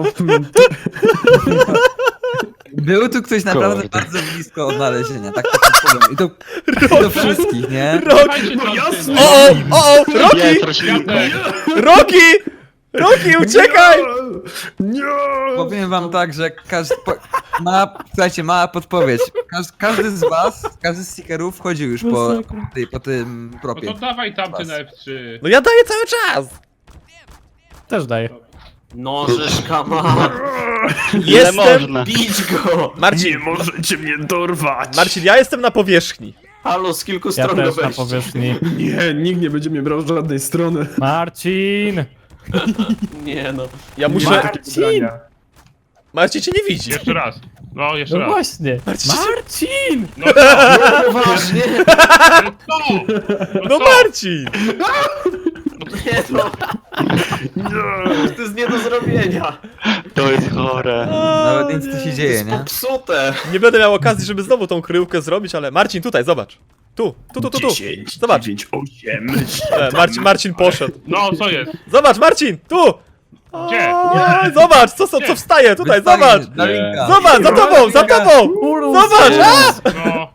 [SPEAKER 3] Był tu ktoś naprawdę
[SPEAKER 6] Kurde.
[SPEAKER 3] bardzo blisko odnalezienia, tak powiem. I to do wszystkich, nie?
[SPEAKER 1] Dawajcie
[SPEAKER 7] No
[SPEAKER 1] tamty,
[SPEAKER 7] jasne.
[SPEAKER 1] no.
[SPEAKER 2] Rocky!
[SPEAKER 6] Jest roślinka.
[SPEAKER 2] Rocky! Rocky, uciekaj!
[SPEAKER 7] Nie!
[SPEAKER 3] Powiem wam tak, że słuchajcie, mała podpowiedź. Każdy z was, każdy z seekerów wchodził już po tym
[SPEAKER 1] No
[SPEAKER 3] propie.
[SPEAKER 1] to dawaj tamty na F3.
[SPEAKER 2] No ja daję cały czas!
[SPEAKER 4] Też daję.
[SPEAKER 5] No, żeszka ma.
[SPEAKER 6] Ile
[SPEAKER 2] Jestem...
[SPEAKER 6] można?
[SPEAKER 5] Bić go!
[SPEAKER 2] Marcin,
[SPEAKER 7] możecie mnie dorwać!
[SPEAKER 2] Marcin, ja jestem na powierzchni.
[SPEAKER 5] Halo, z kilku
[SPEAKER 4] Ja
[SPEAKER 5] stron go
[SPEAKER 4] też na
[SPEAKER 5] weź.
[SPEAKER 4] powierzchni.
[SPEAKER 7] Nie, nikt nie będzie mnie brał z żadnej strony.
[SPEAKER 4] Marcin!
[SPEAKER 5] Nie no.
[SPEAKER 2] Ja muszę...
[SPEAKER 4] Marcin!
[SPEAKER 2] Marcin cię nie widzi.
[SPEAKER 1] Jeszcze raz. No, jeszcze
[SPEAKER 4] No
[SPEAKER 1] raz.
[SPEAKER 4] właśnie. Marcin!
[SPEAKER 1] No co?
[SPEAKER 5] Poważnie?
[SPEAKER 1] Ale co?
[SPEAKER 2] No
[SPEAKER 1] co?
[SPEAKER 2] Marcin!
[SPEAKER 5] Nie no. To jest nie do zrobienia.
[SPEAKER 6] To jest chore.
[SPEAKER 3] Nawet nic tu się dzieje, nie?
[SPEAKER 5] Popsute.
[SPEAKER 2] Nie będę miał okazji, żeby znowu tą kryjówkę zrobić, ale Marcin, tutaj, zobacz. Tu. Zobacz.
[SPEAKER 7] 9, 8...
[SPEAKER 2] Marcin poszedł.
[SPEAKER 1] No, co jest?
[SPEAKER 2] Zobacz, Marcin, tu!
[SPEAKER 1] Gdzie?
[SPEAKER 2] A, zobacz, co wstaje tutaj, zobacz!
[SPEAKER 3] Darinka.
[SPEAKER 2] Zobacz, za tobą! Zobacz! A!
[SPEAKER 1] No.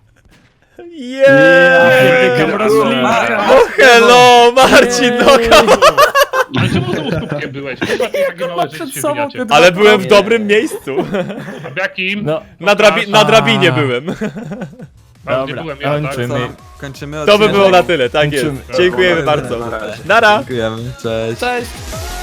[SPEAKER 2] Yeah!
[SPEAKER 3] roślinka.
[SPEAKER 2] No hello, Marcin, no come on.
[SPEAKER 1] Ale czemu znowu skupkiem byłeś? Chyba ty takie małe rzeczy się
[SPEAKER 4] sobą
[SPEAKER 1] wymiacie.
[SPEAKER 4] te
[SPEAKER 2] Ale byłem w dobrym miejscu.
[SPEAKER 1] A w jakim?
[SPEAKER 4] No,
[SPEAKER 2] Na drabinie byłem.
[SPEAKER 1] Tam, gdzie
[SPEAKER 4] dobra,
[SPEAKER 1] byłem ja, tak?
[SPEAKER 4] kończymy.
[SPEAKER 3] Co? Kończymy
[SPEAKER 2] To by
[SPEAKER 3] odcinek?
[SPEAKER 2] było na tyle, tak jest.
[SPEAKER 4] Kończymy.
[SPEAKER 2] Dziękujemy bardzo.
[SPEAKER 5] Na razie.
[SPEAKER 2] Nara!
[SPEAKER 3] Dziękujemy, cześć.
[SPEAKER 4] Cześć!